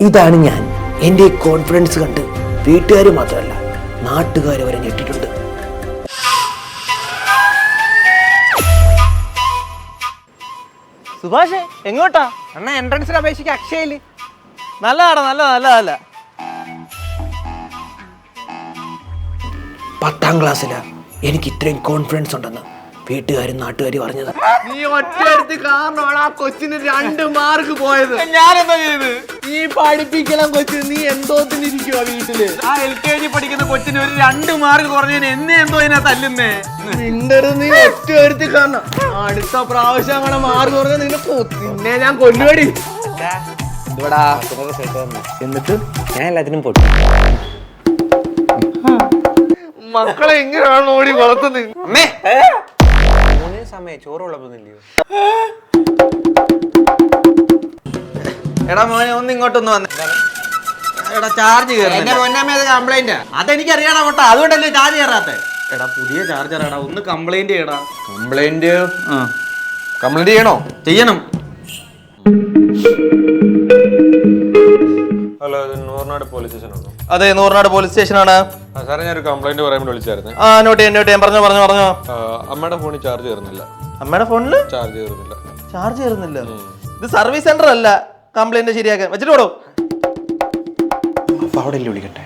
ഇതാണ് ഞാൻ. എൻ്റെ കോൺഫിഡൻസ് കണ്ട് വീട്ടുകാർ മാത്രമല്ല നാട്ടുകാർ വരെ ഞെട്ടിട്ടുണ്ട്. സുഭാഷ് എങ്ങോട്ടാ? അണ്ണാ എൻട്രൻസിൽ അപേക്ഷിക്ക് അക്ഷയയില്. നല്ലതാടാ, നല്ല 10ാം ക്ലാസ്സിലാ എനിക്ക് ഇത്രയും കോൺഫിഡൻസ് ഉണ്ടെന്ന് വീട്ടുകാരും നാട്ടുകാരും പറഞ്ഞത്. നീ ഒറ്റ കാരണമാണ് ആ കൊച്ചിന് 2 മാർക്ക് പോയത്. ഞാനെന്താ ചെയ്ത്? നീ പഠിപ്പിക്കണം കൊച്ചിന്. നീ എന്തോത്തിനിരിക്കുവാ വീട്ടില്? ആ LKG പഠിക്കുന്ന കൊച്ചിന് ഒരു 2 മാർക്ക് കുറഞ്ഞതിന് എന്നെ എന്തോ ഇതിനാ തല്ലുന്നേ? നിന്റെടുത്ത് നീ ഒറ്റ കാരണം. അടുത്ത പ്രാവശ്യം അങ്ങനെ മാർക്ക് കുറഞ്ഞ നിന്നെ ഞാൻ കൊല്ലുപടി. എന്നിട്ട് ഞാൻ എല്ലാത്തിനും പൊട്ടി. മക്കളെ എങ്ങനെയാണ് ഓടി വളർത്തുന്നത്? അമ്മേ സമയം ചോറ് വിളമ്പുന്നില്ലയോ? എടാ മോനെ ഒന്ന് ഇങ്ങോട്ടൊന്ന് വന്നേ. എടാ ചാർജ് കംപ്ലൈന്റ്. അതെനിക്കറിയാടാ കേട്ടോ, അതുകൊണ്ടല്ലേ ചാർജ് കയറാത്ത. എടാ പുതിയ ചാർജറാടാ, ഒന്ന് കംപ്ലൈന്റ് ചെയ്യടാ. കംപ്ലൈന്റ് ചെയ്യണോ? ചെയ്യണം. ഹലോ, ഇത് നൂറിനാട് പോലീസ് സ്റ്റേഷനാണോ? അതെ, നൂറിനാട് പോലീസ് സ്റ്റേഷനാണ്. സാറേ, ഞാനൊരു കംപ്ലൈന്റ് പറയാൻ വേണ്ടി വിളിച്ചായിരുന്നു. ആ നോട്ട് ചെയ്യാം. പറഞ്ഞോ. അമ്മയുടെ ഫോണിൽ ചാർജ് കയറുന്നില്ല. അമ്മയുടെ ഫോണില് ചാർജ് കയറുന്നില്ല? ഇത് സർവീസ് സെന്റർ അല്ല കംപ്ലൈന്റ് ശരിയാക്കാൻ. വെച്ചിട്ട് പോടോ. അപ്പൊ അവിടെ വിളിക്കട്ടെ.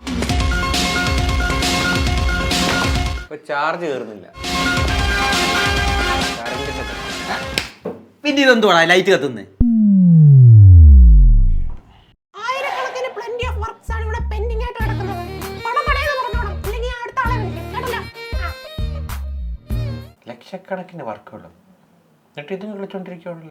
ചാർജ് കയറുന്നില്ല. പിന്നെ ഇതെന്തുവാ ലൈറ്റ് കത്തുന്നേ? ലക്ഷക്കണക്കിന് വർക്കുകളും എന്നിട്ട് ഇത് വിളിച്ചോണ്ടിരിക്കുള്ളൂ.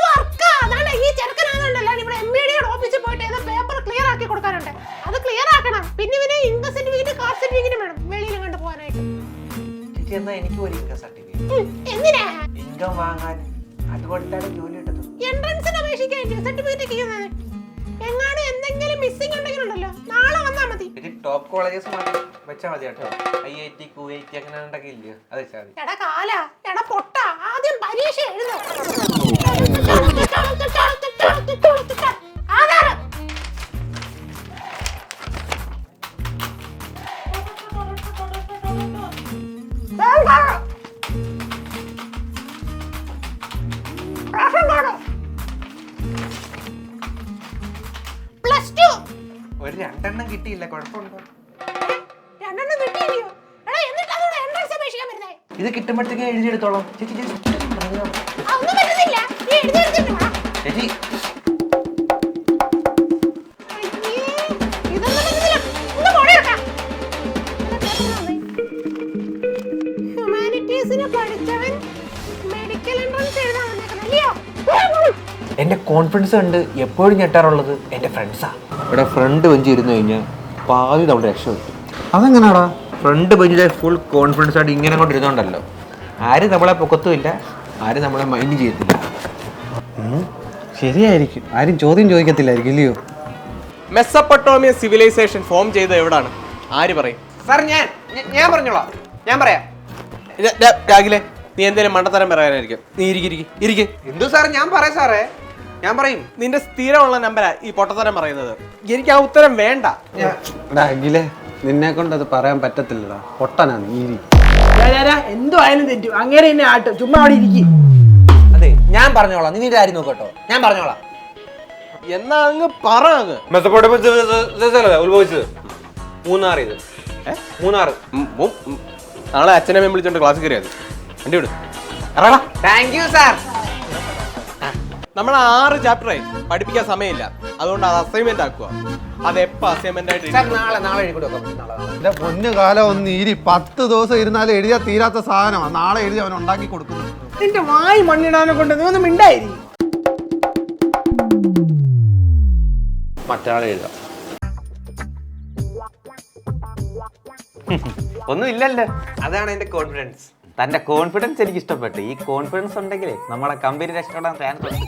എന്നാ എനിക്ക് ഒരു ഇൻകം സർട്ടിഫിക്കറ്റ് ഇൻകം വാങ്ങാൻ, അതുകൊണ്ടാണ് ജോലി കിട്ടുന്നത്. എൻട്രൻസിന് അപേക്ഷിക്കാൻ സർട്ടിഫിക്കറ്റ് എങ്ങാനും എന്തെങ്കിലും മിസ്സിംഗ് ഉണ്ടെങ്കിലുണ്ടല്ലോ നാളെ വന്നാൽ മതി. ടോപ്പ് കോളേജസ് വെച്ചാൽ മതി കേട്ടോ. IIT QIT അങ്ങനെ ഉണ്ടെങ്കിൽ ഇല്ലയോ, അത് വെച്ചാൽ മതി. എടാ കാല, എടാ പൊട്ട, ആദ്യം പരീക്ഷ എഴുതും. ഒരു 2 കിട്ടിയില്ല, കുഴപ്പമുണ്ടോ? 2 കിട്ടിയില്ലയോ? എടാ എന്നിട്ടാണ് എൻട്രൻസ് അപേക്ഷിക്കാൻ വരുന്നേ. ഇത് കിട്ടുമ്പോഴത്തേക്ക് എഴുതിയെടുത്തോളാം ചേച്ചി. ഒന്നും പറ്റുന്നില്ല, നീ എഴുതിയെടുത്തിട്ട് വാ. ചേച്ചി ഹ്യൂമാനിറ്റീസിന് പഠിച്ചവൻ മെഡിക്കൽ എൻട്രൻസ് എഴുതാൻ വന്നേക്കണല്ലയോ? എന്റെ കോൺഫിഡൻസ് കണ്ട് എപ്പോഴും ഞെട്ടാറുള്ളത് എന്റെ ഫ്രണ്ട്സാ. ഇവിടെ ഫ്രണ്ട് ബെഞ്ച് ഇരുന്ന് കഴിഞ്ഞാൽ പാതി തവണ രക്ഷപ്പെട്ടു. അതെങ്ങനെയാടാ? ഫ്രണ്ട് ബെഞ്ചിലെ ഫുൾ കോൺഫിഡൻസ് ആയിട്ട് ഇങ്ങനെ കൊണ്ട് ഇരുന്നോണ്ടല്ലോ, ആരും നമ്മളെ പൊക്കത്തുമില്ല, ആരും നമ്മളെ മൈൻഡ് ചെയ്യത്തില്ല. ശരിയായിരിക്കും, ആരും ചോദ്യം ചോദിക്കത്തില്ലായിരിക്കും ഇല്ലയോ? മെസ്സപ്പൊട്ടോമിയ സിവിലൈസേഷൻ ഫോം ചെയ്ത് എവിടാണ്? ആര് പറയും? സാർ ഞാൻ പറഞ്ഞോളാം. ഞാൻ പറയാം. രാഗിലെ, നീ എന്തേലും മണ്ടത്തരം പറയാനായിരിക്കും. നീ ഇരിക്ക്. എന്തു സാർ? ഞാൻ പറയാം സാറേ, ഞാൻ പറയും. നിന്റെ സ്ഥിരമുള്ള നമ്പരാ ഈ പൊട്ടത്തരം പറയുന്നത്. എനിക്ക് ആ ഉത്തരം വേണ്ട. അഖിലേ, നിന്നെ കൊണ്ട് അത് പറയാൻ പറ്റത്തില്ലടാ, പൊട്ടനാണ് നീ. എന്തോ ആയാലും തെറ്റു, അങ്ങനെ തന്നെ ആട്ടും. ചുമ്മാ അവിടെ ഇരിക്കും. അതെ, ഞാൻ പറഞ്ഞോളാം. നീ ആരും നോക്കട്ടോ, ഞാൻ പറഞ്ഞോളാം. എന്നാ അങ്ങ് പറ. അങ്ങ് ഉത്ഭവിച്ചത് മൂന്നാർ. ഇത് മൂന്നാർ. നാളെ അച്ഛനമ്മയും വിളിച്ചോണ്ട് ക്ലാസ് കയറിയത്. വണ്ടി വിടും. Thank you sir. നമ്മൾ 6 ചാപ്റ്ററായി പഠിപ്പിക്കാൻ സമയമില്ല, അതുകൊണ്ട് അത് അസൈൻമെന്റ് ആക്കുക. അതെപ്പോ അസൈൻമെന്റ് ആയിട്ട് നാളെ എഴുതി കൊടുക്കാം. പൊന്നു കാലം ഒന്ന് ഇരി. 10 ദിവസം ഇരുന്നാലും എഴുതിയാൽ തീരാത്ത സാധനമാണ്. നാളെ എഴുതി അവൻ ഉണ്ടാക്കി കൊടുക്കുന്നു. നിന്റെ വായി മണ്ണിടാനെ കൊണ്ട് നീ ഒന്നും മിണ്ടായി. മറ്റൊരാളെ എഴുതാം. ഒന്നും ഇല്ലല്ലോ, അതാണ് എന്റെ കോൺഫിഡൻസ്. തന്റെ കോൺഫിഡൻസ് എനിക്ക് ഇഷ്ടപ്പെട്ടു. ഈ കോൺഫിഡൻസ് ഉണ്ടെങ്കിലേ നമ്മളെ കമ്പനി രക്ഷപ്പെടാൻ ചാൻസ് ഉണ്ട്.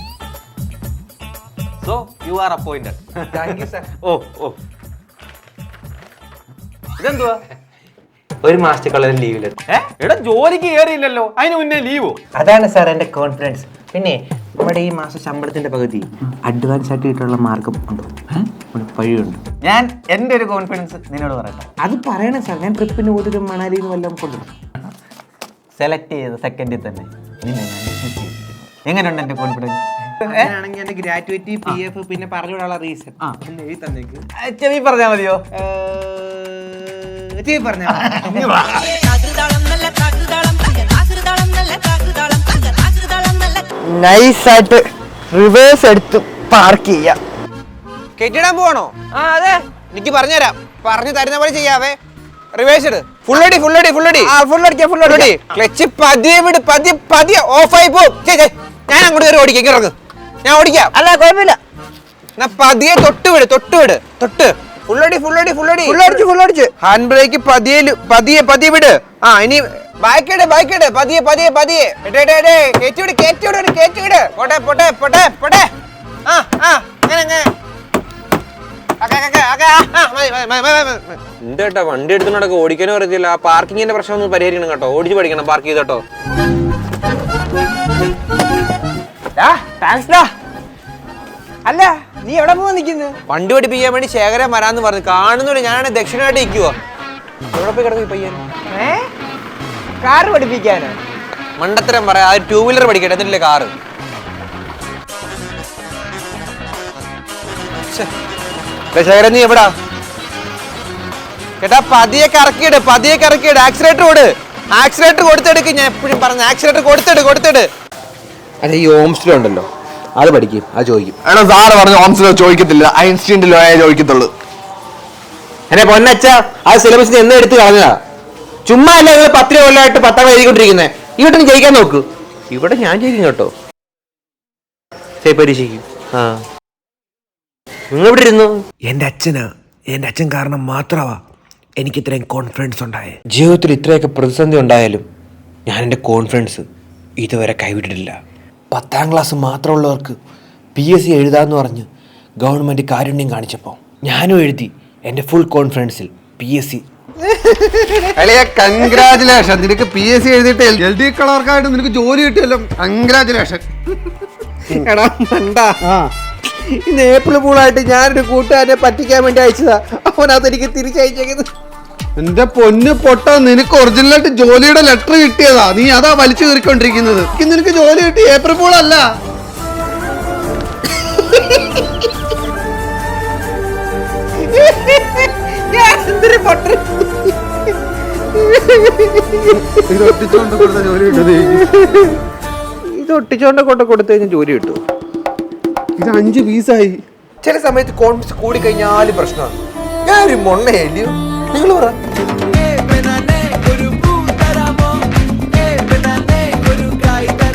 So you are appointed. Thank you sir. ഓ ഇതെന്തുവാ? 1 മാസത്തേക്കുള്ള ലീവില്. എടാ ജോലിക്ക് കയറിയില്ലല്ലോ, അതിന് മുന്നേ ലീവോ? അതാണ് സാർ എന്റെ കോൺഫിഡൻസ്. പിന്നെ നമ്മുടെ ഈ മാസം ശമ്പളത്തിന്റെ പകുതി അഡ്വാൻസ് ആയിട്ട് കിട്ടാനുള്ള മാർഗം ഉണ്ടോ? വഴിയുണ്ട്. ഞാൻ എൻ്റെ ഒരു കോൺഫിഡൻസ് നിന്നോട് പറയട്ടെ. അത് പറയണം സാർ. ഞാൻ ട്രിപ്പിന് ഊതിരും മണാലിന്ന് വല്ലതും കൊണ്ടുവരും. സെലക്ട് ചെയ്ത സെക്കൻഡിൽ തന്നെ നിന്നെ ഞാൻ dismiss ചെയ്തിരിക്കുന്നു. എങ്ങനെയുണ്ട് എൻ്റെ കോൺഫിഡൻസ്? അങ്ങനെയാണെങ്കിൽ എന്റെ ഗ്രാറ്റുവിറ്റി PF പിന്നെ പറഞ്ഞുവിടാനുള്ള റീസൺ എഴുതി തന്നേക്ക്. ചെവി പറഞ്ഞാൽ മതിയോ? ചെവി പറഞ്ഞാൽ നൈസായിട്ട് റിവേഴ്സ് എടുത്ത് പാർക്ക് ചെയ്യാം. കെട്ടിടാൻ പോവാണോ? ആ അതെ, എനിക്ക് പറഞ്ഞുതരാം. പറഞ്ഞു തരുന്ന പോലെ ചെയ്യാവേ. റിവേഴ്സ് ഇട്. ഫുള്ളടി ക്ലച്ച് പതിയെ വിട്. പതിയെ ഓഫായി പോകും. ഞാൻ അങ്ങോട്ട് കയറി ഓടിക്കാം. ഇറങ്ങ്, ഞാൻ ഓടിക്കാം. അല്ല കുഴപ്പമില്ല. എന്നാ പതിയെ തൊട്ട് ഫുള്ളടിച്ച് ഹാൻഡ് ബ്രേക്ക് പതിയെ വിട്. ആ ഇനി ബാക്കിട് പതിയെ കേറ്റിവിട്. പോട്ടെ. അങ്ങനെ എന്റെ കേട്ടോ വണ്ടി എടുത്തുകൊണ്ടൊക്കെ ഓടിക്കാനും അറിയത്തില്ല. ആ പാർക്കിങ്ങിന്റെ പ്രശ്നം ഒന്ന് പരിഹരിക്കണം കേട്ടോ. ഓടിച്ച് പഠിക്കണം പാർക്ക് ചെയ്തോട്ടോ. അല്ല, നീ എവിടെ പോവാ നിൽക്കുന്നത്? വണ്ടി പഠിപ്പിക്കാൻ വേണ്ടി ശേഖരൻ വരാന്ന് പറഞ്ഞു. കാണുന്നില്ല, ഞാനാണ് ദക്ഷിണമായിട്ട് നിൽക്കുവോ. എവിടെ പോയി കിടക്കും പയ്യൻ? കാറ് പഠിപ്പിക്കാനോ? മണ്ടത്തരം പറയാ. അത് 2 വീലർ പഠിക്കട്ടെ, എന്നിട്ടില്ലേ കാറ്. ശേഖരൻ നീ എവിടാ? കേട്ടാ പതിയെ കറക്കിയിട്. ആക്സിലേറ്റർ കൊടുത്തെടുക്ക്. ഞാൻ എപ്പോഴും പറഞ്ഞു ആക്സിലേറ്റർ കൊടുത്തിട്. അതെ, ഈ ഓംസ്റ്റിലുണ്ടല്ലോ, അത് പഠിക്കും. അത് ചോദിക്കും. എടാ സാറ് പറഞ്ഞു ഓംസിലോ ചോദിക്കത്തില്ല, ഐൻസ്റ്റീനിലോ ചോദിക്കത്തുള്ളൂ. എന്നെ പൊന്നച്ച, ആ സിലബസിന് എന്ന് എടുത്ത് കളഞ്ഞതാ. ചുമ്മാ അല്ല നിങ്ങൾ 10 കൊല്ലമായിട്ട് 10 എഴുതിക്കൊണ്ടിരിക്കുന്നത്. ഇവിടെ നീ ജയിക്കാൻ നോക്ക്. ഇവിടെ ഞാൻ ജയിക്കും കേട്ടോ. പരീക്ഷിക്കും. ആ നിങ്ങൾ ഇവിടെ ഇരുന്നു. എൻ്റെ അച്ഛൻ കാരണം മാത്രമാ എനിക്ക് ഇത്രയും കോൺഫിഡൻസ് ഉണ്ടായേ. ജീവിതത്തിൽ ഇത്രയൊക്കെ പ്രതിസന്ധി ഉണ്ടായാലും ഞാൻ എൻ്റെ കോൺഫിഡൻസ് ഇതുവരെ കൈവിട്ടിട്ടില്ല. 10ാം ക്ലാസ് മാത്രമുള്ളവർക്ക് PSC എഴുതാമെന്ന് പറഞ്ഞ് ഗവൺമെൻറ് കാരുണ്യം കാണിച്ചപ്പോൾ ഞാനും എഴുതി എൻ്റെ ഫുൾ കോൺഫിഡൻസിൽ PSC. കൺഗ്രാചുലേഷൻ. നിനക്ക് PSC എഴുതിയിട്ട് LD കളർക്കായിട്ട് നിനക്ക് ജോലി കിട്ടിയല്ലോ. കൺഗ്രാചുലേഷൻ. എടാ മണ്ടാ, ഇന്ന് ഏപ്രിൽ പൂളായിട്ട് ഞാനൊരു കൂട്ടുകാരനെ പറ്റിക്കാൻ വേണ്ടി അയച്ചതാ. അവനതെനിക്ക് തിരിച്ചയച്ചേക്കുന്നത്. എന്റെ പൊന്ന് പൊട്ട, നിനക്ക് ഒറിജിനലായിട്ട് ജോലിയുടെ ലെറ്റർ കിട്ടിയതാ. നീ അതാ വലിച്ചു കയറിക്കൊണ്ടിരിക്കുന്നത്. നിനക്ക് ജോലി കിട്ടി ഏപ്രിൽ പൂൾ അല്ല. ഇത് ഒട്ടിച്ചോണ്ട് കൊടുത്ത ജോലി കിട്ടുന്നത്. ഇത് ഒട്ടിച്ചോണ്ട് കൊടുത്തു കഴിഞ്ഞാൽ ജോലി കിട്ടും. ഇത് 5 പീസായി. ചില സമയത്ത് കോൺഫിഡൻസ് കൂടി കഴിഞ്ഞാലും പ്രശ്നമാണ്. ഞാനൊരു മൊണ്ണയല്ലയോ? നിങ്ങൾ പറ.